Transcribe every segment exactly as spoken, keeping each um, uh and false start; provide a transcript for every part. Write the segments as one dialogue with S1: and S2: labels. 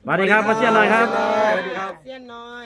S1: วัสดีครับมาเชียนหน่อยครับ
S2: สวัสดีครับเชียนน้อย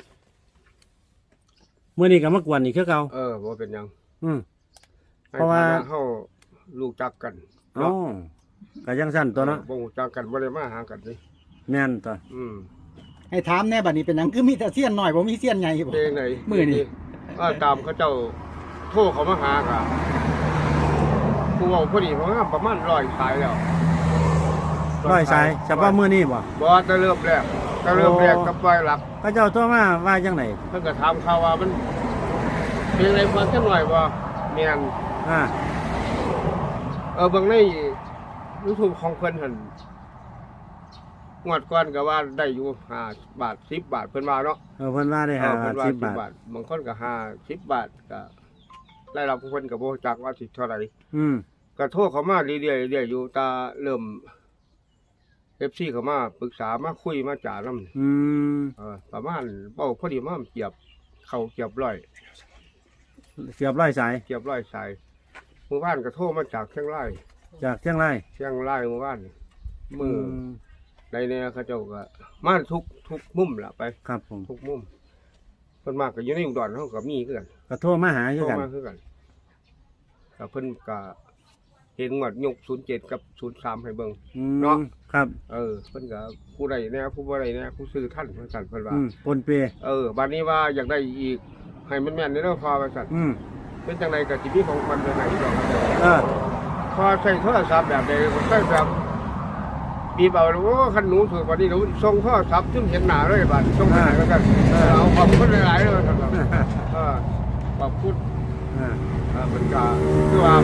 S1: เมื่อนี้ก็มากวนอีกคือเก่า
S3: เออบ่เป็นหยัง
S1: อืม
S3: ให้
S1: เพราะว่า
S3: เฮาลูกจักกัน
S1: อ๋อก็ยังสั้นตัวเนาะ
S3: บ่ฮู้จักกันบ่ได้มาหากันนี่
S1: แม่นตัว
S3: อืม
S4: ให้ถามแน่บัดนี้เป็นหยังคือมีแต่เสี้ยนหน่อยบ่มีเสี้ยนใหญ่บ่
S3: เพลงไหน
S4: มื้อนี้
S3: ก็ตามเขาเจ้าโทรเขามาหากะผู้เว้าพอดีเพราะว่าประมาณร้อยสายแล้ว
S1: ร้อยสายเฉพาะมื้อนี้บ่
S3: บ่แต่เริ่มแรกแต่เริ่มแรกกับปล่อยหลัก
S1: เขาเจ้าโทรมาว่าจังได๋
S3: เพิ่นก็ถามข่าวว่ามันเพลงอะไรฟังจังหน่อยบ่แม่น
S1: อ่า
S3: เออเบิ่งใน YouTube ของเพิ่นหั่นงวดก่อนก็ว่าได้อยู่ห้าบาทสิบบาทเพิ่นว่าเนาะ
S1: เออเพิ่นว่าได้
S3: เอ
S1: ห้า
S3: อเพิ่นว่า
S1: สิ
S3: สิ
S1: บบ บาท
S3: บาทบางคนก็ห้าสิบบาทก็รายรับของเพิ่นก็บ่รู้จักว่าสิเท่าไหร่
S1: อืม
S3: ก็โทรเข้ามาเรื่อยๆเรื่อยๆอยู่ตาเริ่ม เอฟ ซี เข้ามาปรึกษามาคุยมาจานำ
S1: อืม
S3: เออประมาณเป้าพอดีมาเกียบเข้าเกียบร้อย
S1: เสียบร้อยสาย
S3: เกียบร้อยสายเมื่อวานก็โทรมาจากเชียงราย
S1: จากเชียงราย
S3: เชียงรายเมื่อวานมือในเนี่ยเขาเจ้าก็มาทุกทุกมุมล่ะไป
S1: ครับผม
S3: ทุกมุมเพิ่นมากก็อยู่ในอุดรเฮาก็มีคือกัน
S1: ก็โทรมาหาคื
S3: โท
S1: อ
S3: ร
S1: กัน
S3: มาคือกันก็เพิ่นก็เห็นงวดยกศูนย์เจ็ดกับศูนย์สามให้เบิ่ง
S1: อืม
S3: เนาะ
S1: ครับ
S3: เออเพิ่นก็ผู้ใดแน่ผู้บ่ใดแน่ผู้ซื้อท่านว่าซั่นเพิ่นว่า
S1: อืมปนเป
S3: เออบัดนี้ว่าอยากได้อีกให้มันแม่นในเรื่องพอว่าซั่น
S1: อืม
S3: เป็นจังไดก็สิมีของขวัญไปให้ดอกครับ
S1: เออ
S3: พอใช้โทรศัพท์แบบใดบ่ใช้แบบบีบเอาโอ้คันหนูถือบัดนี้หนูส่งโทรศัพท์จึงเห็นหน้าเลยบัดส่งไปให้แล้วกันเอาขอบคุณหลายๆเลยครับเออขอบคุณ
S1: อ่า
S3: เออมันก็คือว่า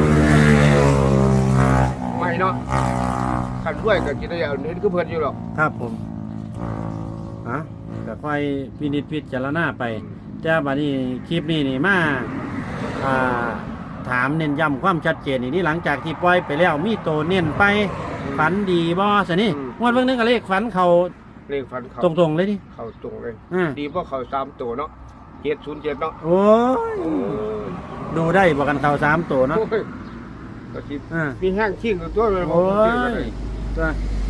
S3: ไม่เนาะคันด้วยก็สิได้เอาเห็นคือเพิ่นอยู่หรอก
S1: ครับผมอ่ะก็ค่อยพินิจพิจารณาไปแต่บัดนี้คลิปนี้นี่มาอ่าถามเน้นย้ำความชัดเจนนี่นี่หลังจากที่ปล่อยไปแล้วมีโตเน้นไปฝันดีบ่ซะนี่งวดเบิ่งนึงก็เลขฝันเขา
S3: เลขฟันเขา
S1: ตรงๆเลยดิ
S3: เข้าตรงเลย
S1: อ่า
S3: ดีเพราะเขาสามตัวเนาะเจ็ดศูนย์เจ็ดเนาะ
S1: โอ้ย
S3: โอ้ย
S1: ดูได้บอกกันเขาสามตัวเนาะ
S3: โอ้ยก็สิ
S1: อ่า
S3: มีแห้งชิ่งตัวเลย
S1: โอ้ยตัว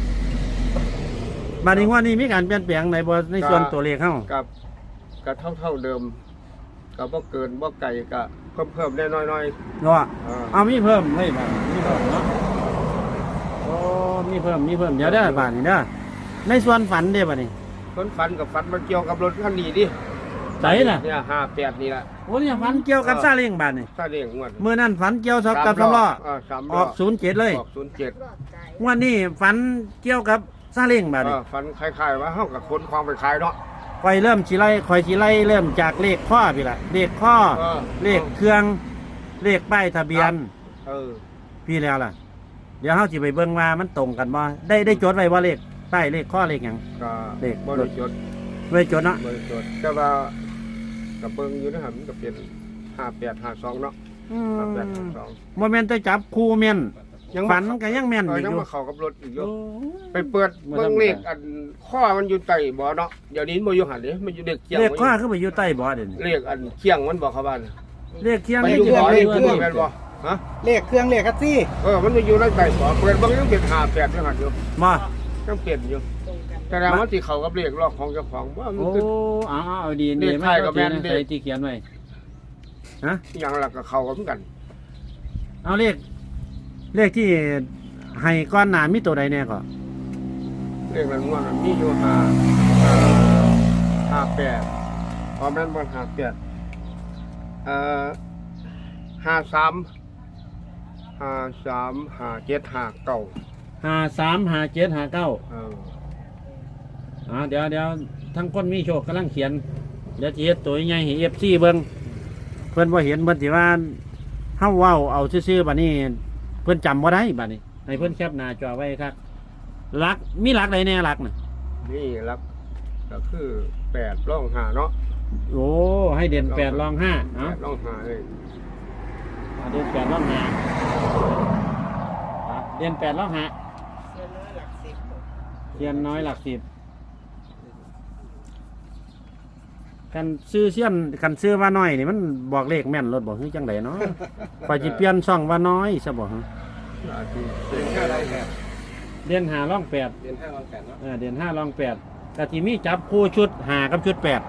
S1: บัดนี้งว่านี้มีการเปลี่ยนแปลงในบ่ในส่วนตัวเลขเฮา
S3: กับกับเท่าเท่าเดิมกับบ่เกินบ่ไก่ก็เพิ่มเพิ่มได้น้อยน้อย
S1: เนาะ
S3: ๆอ่า
S1: เอามีเพิ่มเฮ้ยบัดมีเพิ่มเนาะโอ้มีเพิ่มมีเพิ่มเดี๋ยวเด้อบัดนี้เด้อในส่วนฝันเด้อบัดนี้
S3: คนฝันกับฝันมันเกี่ยวกับรถคันนี้ดิ
S1: ใจน่ะ
S3: เนี่ยห้าแปดนี่แหละ
S1: โอ้เนี่ยฝันเกี่ยวกับซาเล้งบัดนี้
S3: ถ้าเรียงงวด
S1: มื้อนั้นฝันเกี่ยวกับสำล้อ
S3: อ่าสาม
S1: อ
S3: ล้
S1: อกศูนย์เจ็ดเลย
S3: ออกศูนย์เจ็ด
S1: งวันนี้ฝันเกี่ยวกับซาเล้งบัดนี้
S3: อ่าฝันคล้ายๆว่าเฮากับคนความไปขายเนาะ
S1: คอยเริ่มสิไล่คอยสิไล่เริ่มจากเลขข้อพี่ล่ะเลขข้อ
S3: เออ
S1: เลขเครื่องเลขป้ายทะเบียน
S3: เออ
S1: พี่แล้วล่ะ เดี๋ยวเฮาสิไปเบิ่งว่ามันตรงกันบ่ได้ได้จดไว้ว่าเลขป้ายเลขข้อเลขหยัง
S3: ก็
S1: เลข
S3: บ่ได้จด
S1: ไว้จดเนาะ
S3: บ่ได้จดแต่ว่ากับเบิ่งอยู่นะครับมันก็เป็นห้าแปดห้าสองเนาะ
S1: อื
S3: ห้าแปด
S1: ม
S3: ห้าสอง
S1: บ่แม่นแต่จับคู่แม่น
S3: ยัง
S1: ฝันก็ยังแม่น
S3: เอ
S1: อ
S3: อยู่ ยัง
S1: อยู่
S3: มาเข้ากับรถอีกอยู่
S1: โอ้
S3: ไปเปิดเบิ่งเลขอันข้อมันอยู่ใต้บ่เนาะเดี๋ยวนี้บ่อยู่หันเด้มันอยู่เลขเคียง
S1: เลขข้อคือไปอยู่ใต้บ่เด่น
S3: เลขอันเคียงมันบอกเขาว่าน่ะ
S1: เลขเคียง
S3: มัน
S1: เล
S3: อ
S1: ข
S3: ยู่
S1: เคียง
S3: บ่
S1: เล
S3: เล
S1: ข
S3: ข
S1: เคียง
S3: แม่นบ่ฮะ
S4: เลขเครื่องเลขคัสซี่
S3: เออมันอยู่ในใต้บ่เปิดเบิ่งยังเป็นห้าแปดอยู่หั่นอยู่
S1: บ่
S3: ยังเปลี่ยนอยู่แต่แล้วมันสิเข้ากับเลขลอกของเจ้าของว่ามัน
S1: โอ้
S3: คือ
S1: เอาเอาเอาดี
S3: เล
S1: ดี
S3: ข
S1: ไม่
S3: ไทยกั
S1: ก็
S3: บแม่
S1: แม่
S3: น
S1: น
S3: เลข
S1: ใส่ที่เขียนไว้ฮะ
S3: อหย่างหลักก็เข้ากันเหมือนกัน
S1: เอาเลขเลขที่ให้ก้อนหนามีตัวใดแน่ก็
S3: เลขนั้นว่ามันมีอยู่ห้าห้าแปดพอแม่นบ่ห้าแปดเอ่อห้าสามห้าสามห้าเจ็ดห้าเก้า
S1: ห้าสามห้าเจ็ดห้าเก้า
S3: เออ
S1: อ่าเดี๋ยวเดี๋ยวทั้งคนมีโชคกำลังเขียนเดี๋ยวจะเฮ็ดตัวใหญ่ให้เอฟซีเบิ่งเพิ่นบ่เห็นเพิ่นสิว่าเฮาเว้าเอาซื่อๆบัดนี้ เพิ่นจำบ่ได้บัดนี้ให้เพิ่นแคปหน้าจอไว้ครับหลักมีหลักใดแน่หลักน่ะ
S3: นี่ลักก็คือแปดร่องห้าเนาะ
S1: โอ้ให้เด่นแปดรองห้า
S3: แป
S1: เนาะ
S3: ดร่องห้าเลย
S1: อ่าเด่นแปดรองห้าอ่ะเด่นแปดรองห้า
S2: เชียนน้อยหลักสิบ
S1: เทียนน้อยหลักสิบกันซื้อเสี้ยนกันซื้อว่าน้อยนี่มันบอกเลขแม่นรถบอกคือจังไดเนาะ พอจิเปลี่ยนช่องว่าน้อยซะบอก
S3: อาจจะเป็นแค่ไรแค่
S1: อเดือนห้าร่องแปด
S5: เดือนห้ารองแปดเนาะ
S1: เออเดือนห้าร่องแปดกะที่มีจับคู่ชุดห้ากับชุดแปด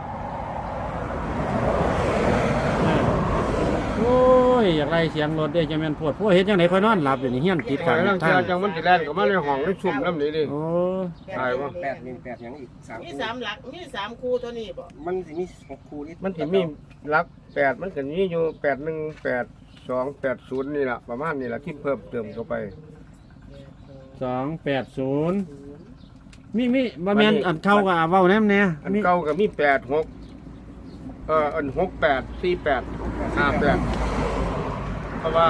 S1: อ่าโอ้ยอยากไล่เสียงรถได้จังแม่นโพดพวกเฮ็ดจังไดค่อยนอนหลับอยู่นี่เฮียนติด
S3: ขอ
S1: กัน
S3: ให้ลัง
S1: ทา
S3: เทีย
S1: ง
S3: จังมันสิแล่นก็มาในห้องในซุ่มน้ำนี้ดิ
S1: โอ้
S3: ใช่ปะ
S5: แปดหนึ่งแปดยังอีกสาม
S2: มี
S5: คู่
S2: สามหลักมีสามคู่ตัวนี้บ่
S5: มันสิมีหกคู่ที่
S3: มันสิมีหลักแปดมันก็มีอยู่แปดหนึ่งแปดสองแปดศูนย์นี่แหละประมาณนี้แหละที่เพิ่มเติมเข้าไป
S1: สองแปดศูนย์มีมีบ่แม่นอันเข้ากับเว้าแนมแน่
S3: อัน
S1: มี
S3: เก่าก็มีแปดหกเอออันหกแปดสี่แปดห้าแปดเพราะว่า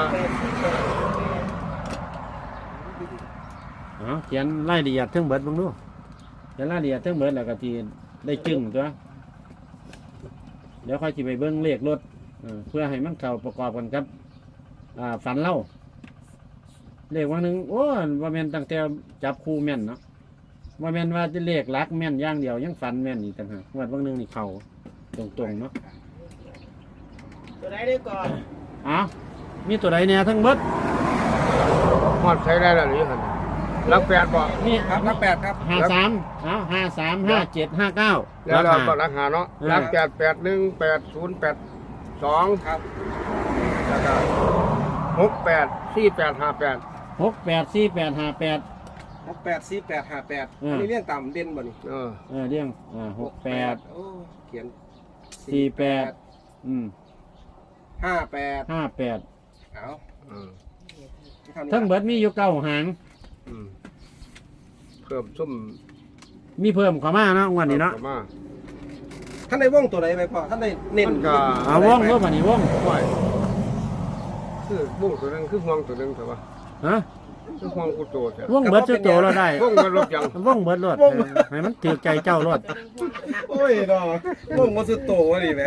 S1: อ๋อเขียนรายละเอียดเทั้งเบิดเบิ่งดูเขียนรายละเอียดเทั้งเบิดแล้วก็ที่ได้จึงตัวเดี๋ยวค่อยสิไปเบิ่งเลขรถเออเพื่อให้มันเข้าประกอบกันครับอ่าฝันเล่าเลขว่าหนึงโอ้ว่าแม่นตั้งแต่จับคู่แม่นเนาะว่าแม่นว่าจะเลขหลักแม่นอย่างเดียวยังฝันแม่นอีกต่างหากงวดบางหนึงนี่เข้าตรงๆเนาะ
S2: ตัวไหนได้ก่อน
S1: อ้าวมีตัวใดเนี่ยทั้งเบิด
S3: ฮอดใช้ได้แล้วหรือยังหลักแปดบ่
S1: นี่
S5: ครับนับแปดครับ
S1: ห้าสามเอาห้าสามห้าเจ็ดห้าเก้า
S3: แล้วเรา
S1: คา
S3: ก็ราคาเนาะหลักแปดแปดหนึ่งแปดศูนย์แปดสอง
S5: ครับ
S3: แล้วก็หกแปดสี่แปดห้าแปด
S1: หกแปดสี่แปดห้าแปด
S5: หกแปดสี่แปดห้าแปด
S1: อืม
S5: อันนี้เรียงต่ำเด่นบ่นี่
S3: เออ
S1: เออเรียงอ่าหกแปด
S5: โอ้เขียน
S1: สี่แปด อืม
S5: ห้าแปด
S1: ห้าแปด
S5: เอา
S3: อืม
S1: ทั้งเบิดมีอยู่เก้าหาง
S3: อืมเพิ่มซุ่ม
S1: มีเพิ่มเข้ามาเนาะงวันนี้เนาะ
S3: พิ่มข้มา
S5: ท่านได้ว่องตัวไหนไปพ่อท่านได้เน้น
S3: มันก็
S1: เอาว่องรูปอันนี้ว่อง
S3: ไหวคือบุ้งตัวหนึงคือห่วงตัวหนึงแต่ว่า
S1: ฮะ
S3: คือห่วงกูโตแต่
S1: ว่องเบิดสุดโตเราได้
S3: ห่วงมันลบยัง
S1: ว่องเบิดรถเออให้มันถือใจเจ้ารถ
S5: โอ้ยเนาะว่องมันสุดโตวะนี่แหม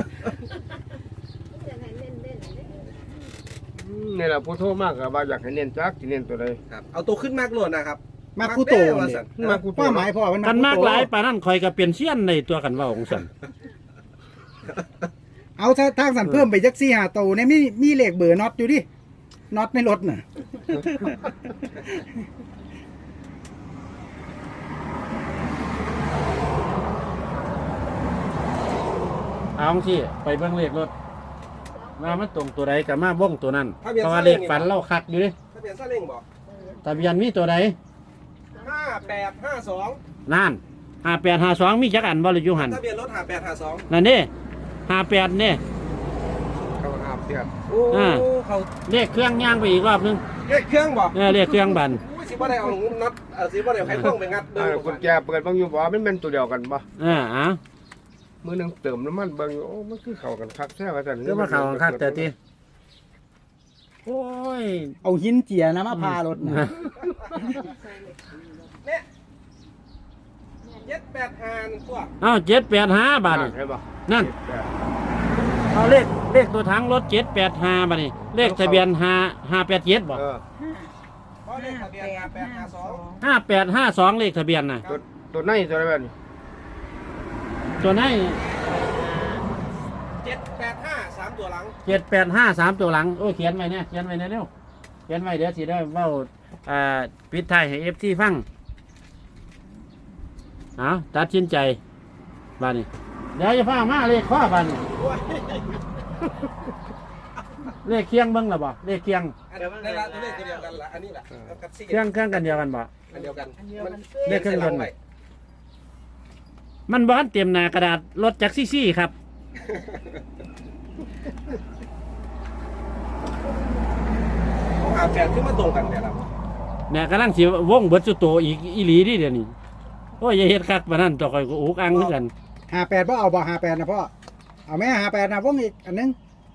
S3: อืมนี่แหละผู้โทษมากกับว่าอยากให้เน้นจักที่เน้นตัวใด
S5: ครับเอาตัวขึ้นมากโลดนะครับ
S4: มาคู่โต
S5: ว่า
S4: นี่
S5: สัน
S3: มากูโต
S4: ป้าหมายพ่อมัน
S1: กันมาก
S4: คู่
S1: ห
S4: โต
S1: ลายปานนั้นคอยก็เปลี่ยนเสี้ยนในตัวกันเว่าของสัน
S4: เอาถ้าทางสันเพิ่มไปจักสี่ห้าโตเนี่ยมีมีเลขเบอร์น็อตอยู่ดิน็อตในรถน่ะ
S1: เอาสิไปเบิ่งเลขรถว่ามันตรงตัวใดกับมาว่องตัวนั้น เพราะว่าเลขฝันเล่าคักอยู่ดิ
S5: ทะเบียนซาเล้งบอก
S1: ทะเบียนมีตัวใด
S5: ห้าแปดห้าสอง
S1: นั่นห้าแปดห้าสองมีจักอันบ่หรืออยู่หัน
S5: ทะเบียนรถห้าแปดห้าสอง
S1: นั่นนี่ห้าแปดนี่
S3: เขาหาเพียร
S5: โอ้
S1: อ่า
S5: เขา
S1: เลขเครื่องย่างไปอีกรอบนึง
S5: เรียกเครื่องบอก
S1: เออเลขเครื่องบัน
S5: อุ้ยสิบ่ได้เอาน็อตเออสิบ่ได้เอาไขควงไปงัดเดิ
S3: อ่าน กุญแจเปิดเบางอยู่บ่มันเป็นตัวเดียวกันบ่
S1: เออเอ่ะ
S3: มือหนึงเติมน้ำมันเบางอยู่โอ้มันคือเข้ากันคักแท้ว่าซั่น
S1: ก็มาเข่าคักแต่ทีโอ้ย
S4: เอาหินเจียนะมาพารถน่ะ
S5: เนี่ยเจ็ดแปดห้าตัว
S1: เอาเจ็ดแปดห้าบาทนี่
S3: ใช่บ่
S1: นั่น
S3: แปด
S1: เอาเลขเลขตัวถังรถเจ็ดแปดห้าบาทนี่เลขทะเบียนห้าห้าแปดเจ็ดบ่
S3: เออ
S5: เพราะเลขทะเบียนห้าแปดห้าสอง
S1: ห้าแปดห้าสองเลขทะเบียนน่ะ
S3: ตัวตัวในตัวอะไรแบบนี้
S1: ตัวไหน
S5: เจ็ดแปดห้าสามตัวหลัง
S1: เจ็ดแปดห้าสามตัวหลังโอ้ยเขียนไว้เนี่ยเขียนไว้เนี่ยเร็วเขียนไว้เดี๋ยวสิได้เว้าอ่าปิดท้ายให้เอฟซีฟังเอาตัดสินใจบาดนี้เดี๋ยวจะฟ้ามาเลขข้อบาดนี้เลขเคียงเบิ้งหรอบ่เลขเคียง
S5: อันนี้ละตัวเลขตัวเดียวกันละอันนี้ละเอากับสี่
S1: เครื่องเครื่องกันเดียวกันบ่
S5: อันเดียวกัน
S2: อันเดียว
S5: มัน
S2: กัน
S1: เลขเครื่องยนต์ มันบ้านเตรียมหนากระดาษรถจักรซี่ซี่ครับ
S5: เขาหาแปดขึ้นมาตรงกันเนี่ยละ
S1: เนี่ยกำลังสิวงเบิดสุโตอีกอีหลีดิเดี๋ยวนี้โอ้ยอย่าเฮ็ดคักปานนั้นต่อคอยก็อุกอังเหมือนกัน
S4: ห้าแปดพ่อเอาบ่ห้าแปดนะพ่อเอาแม่ห้าแปดนะวงอีกอันนึง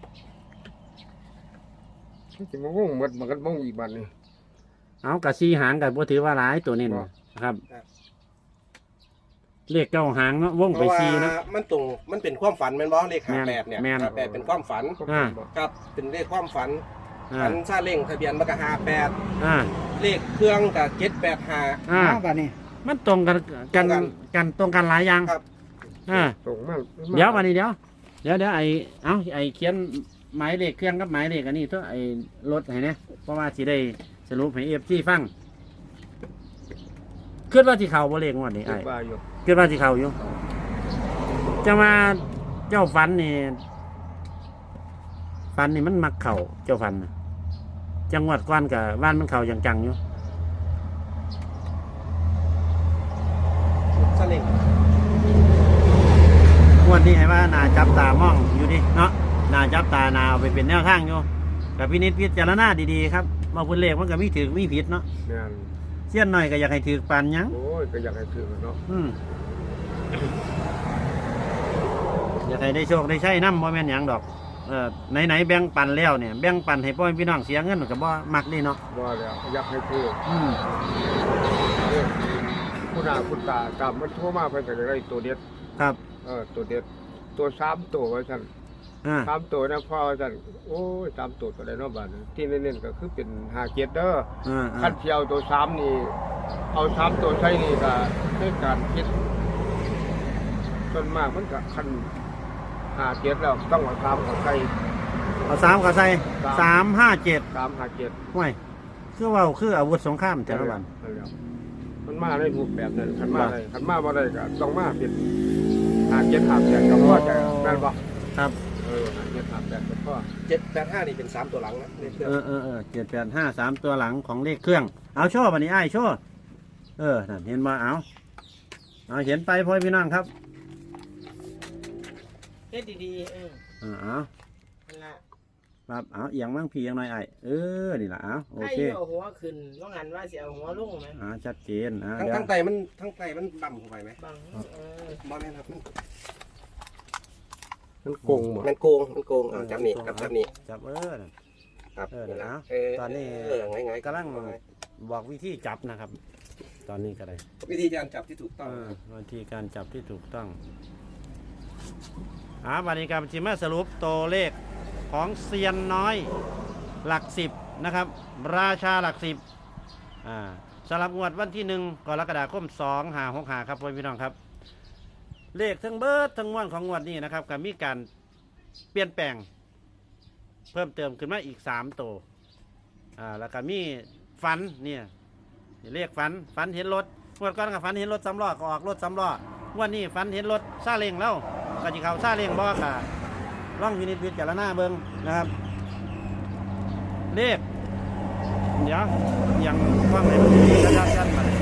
S3: สิมาวงหมดมันก็วงอีกบัดนี้
S1: เอากะซีหางกับบ่ถือว่าหลายตัวนี้นะครับเลขเก้าหางเนาะวง
S5: เพ
S1: ไป
S5: ราะว่า
S1: ซีเนาะ
S5: มันตรงมันเป็นความฝันแมันบ่เลขห้าแปดเนี่ย
S1: แม่น
S5: ห้าแปดเป็นความฝัน
S1: อ่า
S5: ครับเป็นเลขความฝัน
S1: อ่า
S5: ฝันซาเล้งทะเบียนมันก็ห้าแปด
S1: อ่า
S5: เลขเครื่องกับเจ็ดแปดห้า
S1: อ่า
S4: เอาบาดนี้
S1: มันตรงกันกัน
S5: ตรงกัน
S1: กันตรงกันหลายอย่าง
S5: ครับ
S1: อ่า
S3: ตรงมาก
S1: เดี๋ยววันนี้เดี๋ยวเดี๋ยวเดี๋ยวไอ้เอ้าไอ้เขียนหมายเลขเครื่องกับหมายเลขอันนี้ตัวไอ้รถให้เนี่ยเพราะว่าสิได้สรุปให้เอฟซีฟังคิดว่าที่เขาบ่เลขงวดนี้
S3: คิ
S1: ไอ้
S3: ดว่าอยู่
S1: คิดว่าที่เขาอยู่จะมาเจ้าฝันนี่ฝันนี่มันมักเข่าเจ้าฝันน่ะจังหวัดก้อนกับบ้านมันเข่าอย่างจังอยู่
S5: สลิง
S1: งวดนี้ให้ว่านาจับตามองอยู่ดิเนาะนาจับตานาเอาไปเป็นแนวทางอยู่กับพินิจพิจารณาดีๆครับมาพูดเลขมันก็มีถือมีผิดเนาะ
S3: แม่น
S1: เสี้ยนหน่อยก็อยากให้ถือปานหยัง
S3: โอ้ยก็อยากให้ถือเนาะ
S1: อืมอยากให้ได้โชคได้ใช้น้ำบ่แม่นหยังดอกเออไหนๆแบ่งปันแล้วเนี่ยแบ่งปันให้พ่อแม่พี่น้องเสียเงินก็บ่มักนี่เนาะ
S3: ว่าแล้วอยากให้ถือ
S1: อืม
S3: ผู้หน้าผู้ตาตามมันโทรมาเพิ่นก็จะได้ตัวเด็ด
S1: ครับ
S3: เออตัวเด็ดตัวสามตัวว่าซั่น
S1: อ่า
S3: สามตัวนะพ่อว่าซั่นโอ้ยสามตัวตัวใดเนาะบาดนี้ที่เน้นๆก็คือเป็นห้าเจ็ดเด้อ
S1: อ่า
S3: คันเที่ยวตัวสามนี่เอาสามตัวใช้นี่ก็ในการคิดส่วนมากมันก็คันห้าเจ็ดแล้วต้องเอาสามกับใส่
S1: เอาสามก็ใส่สามห้าเจ็ด
S3: สามห้าเจ็ด
S1: ห่วยคือเว่าคืออาวุธสงครามแต่ละวัน
S3: นั่นแหละมันมาในรูปแบบนั้นคันมาได้คันมาบ่ได้ก็ต้องมาเป็นห้าเจ็ดห้าแปดก็พอใจแม่นบ่
S1: ครับ
S3: เออห้าเจ็ดห้าแปดก็พอ
S5: เจ็ดแปดห้านี่เป็นสามตัวหลังนะในเครื่อง
S1: เออเออเออเจ็ดแปดห้าสามตัวหลังของเลขเครื่อง เอาโชว์วันนี้ไอ้ายโชว์เออนั่นเห็นมาเอาเอาเห็นไปพ่อพี่น้องครับ
S2: เฮ็ดดีๆเออ
S1: เออเอา
S2: นั่นล่ะ
S1: ครับเอาเอียงมั่งพี่เอียงหน่อยไอ้ายเออนี่ล่ะเอาโอ
S2: ให้
S1: เค
S2: เอาหัวขึ้นว่างั้นว่าสิเอาหัวลงไหม
S1: อ่าชัดเจนอ่า
S5: ทั้ง
S1: เดี๋ยว
S5: ทั้งไตมันทั้งไตมันต่ำเข้าไปไหม
S2: บังเออบ
S5: อลแม่นครับมัน
S3: มันโกงบ่
S5: มันโกงมันโกงอ่าจับนี่ครับจับนี่
S1: จับเออนั่น
S5: ครับ
S1: เออเดี๋ยวนะ
S5: เออ
S1: ตอนนี้
S5: เออไงไง
S1: กำลังบอกวิธีจับนะครับ ตอนนี้ก็ได้
S5: วิธีการจับที่ถูกต้อง
S1: เออวิธีการจับที่ถูกต้องอ่าวันนี้การจิมาสรุปตัวเลขของเซียนน้อยหลักสิบนะครับ ราชาหลักสิบอ่าสำหรับงวดวันที่หนึ่งกรกฎาคมสองหาหกหาครับพี่น้องครับ เลขทั้งเบิร์ดทั้งมวลของงวดนี้นะครับก็มีการเปลี่ยนแปลง เพิ่มเติมขึ้นมาอีกสามตัวอ่าแล้วก็มีฝันเนี่ยเลขฝันฝันเห็นรถงวดก่อนกับฝันเห็นรถสำล้อก็ออกรถสำล้องวดนี้ฝันเห็นรถซาเล้งแล้วก็จะเขาซาเล้งบอกอะร่องวินิจวิจารณาเบิ้งนะครับ เลขเดี๋ยวยังว่างไหนมันดีระยะสั้นมา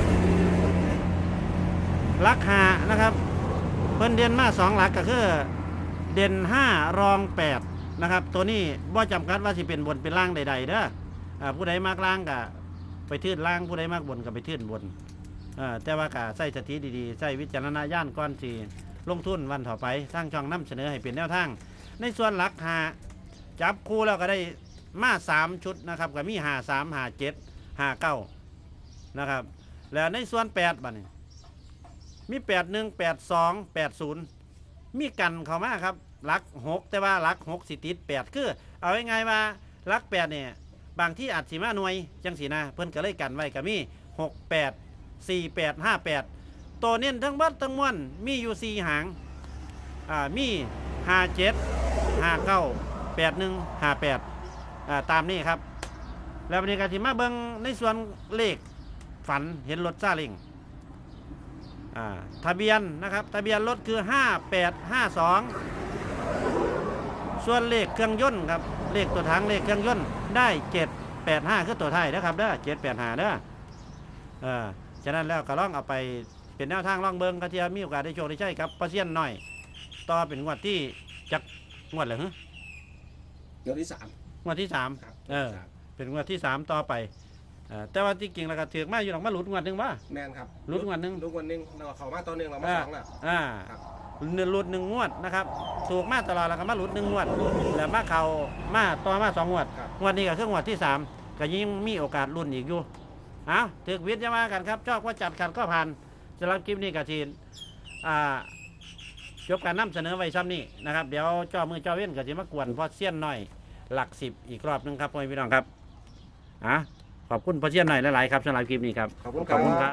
S1: ลักหานะครับเพิ่นเด่นมาสองหลักก็คือเด่นห้ารองแปดนะครับตัวนี้บ่จำกัดว่าสิเป็นบนเป็นล่างใดๆเด้ออ่าผู้ใดมากล่างก็ไปทื่นล่างผู้ใดมากบนก็ไปทื่นบนอ่าแต่ว่าก็ใส่สติดีๆใส่วิจารณญาณก่อนสิลงทุนวันต่อไปสร้างช่องนำเสนอให้เป็นแนวทางในส่วนหลักหาจับคู่แล้วก็ได้มาสามชุดนะครับก็มีหาสามหาเจ็ดหาเก้านะครับแล้วในส่วนแปดบัดนี้มีแปดหนึ่งแปดสองแปดศูนย์มีกันเข้ามาครับหลักหกแต่ว่าหลักหกสิติดแปดคือเอาง่ายๆว่าหลักแปดเนี่ยบางที่อาจสิมาหน่วยจังสีนะเพิ่นก็เลยกันไว้ก็มีหกแปดสี่แปดห้าแปดตัวเน้นทั้งบัดทั้งมวลมีอยู่สี่หางอ่ามีห้าเจ็ดห้าเก้าแปดหนึ่งห้าแปดอ่าตามนี้ครับแล้ววันนี้ก็สิมาเบิ่งในส่วนเลขฝันเห็นรถซาเล้งอ่าทะเบียนนะครับทะเบียนรถคือห้าแปดห้าสองส่วนเลขเครื่องยนต์ครับเลขตัวถังเลขเครื่องยนต์ได้เจ็ดแปดห้าคือตัวไทยนะครับเด้อเจ็ดแปดห้าเด้อเออฉะนั้นแล้วก็ลองเอาไปเป็นแนวทางลองเบิ่งกระเทียมมีโอกาสได้โชคได้ใช้ครับปลาเซียนหน่อยต่อเป็นงวดที่จักงวดเหรอฮะ
S5: เดี๋ยวที่สาม
S1: งวดที่สาม
S5: ครับ
S1: เออเป็นงวดที่สามต่อไปเออแต่ว่าที่จริงแล้วก็ถือมาอยู่หลังมาหลุดงวดหนึ่งว่า
S5: แมนครับ
S1: ลุ้นวันหนึ่ง
S5: ลุ้นวันหนึ่งเราเขามาตัวหนึ่งเรามา
S1: อ่า
S5: สองแล้ว
S1: อ่า
S5: ครับ
S1: หนึ่งหลุดหนึ่งงวดนะครับถูกมาตลอดแล้วก็มาหลุดหนึ่งงวดแล้วมาเข่ามาต่อมาสองงวด
S5: ครับ
S1: งวดนี้ก็คืองวดที่สามก็ยิ่งมีโอกาสลุ้นอีกอยู่เอาถือวิทย์จะมากันครับชอบว่าจัดขัดก็ผ่านสำหรับคลิปนี้กับทีนอ่าจบการนำเสนอไว้ซ้ำนี้นะครับเดี๋ยวเจ้ามือเจ้าเว้นก็จะมากวนพอเสี้ยนหน่อยหลักสิบอีกรอบหนึงครับพ่อพี่น้องครับอ่ะขอบคุณพอเสี้ยนหน่อยหลายๆครับสำหรับคลิปนี้ครับ
S5: ขอบคุณ
S1: ขอบคุณครับ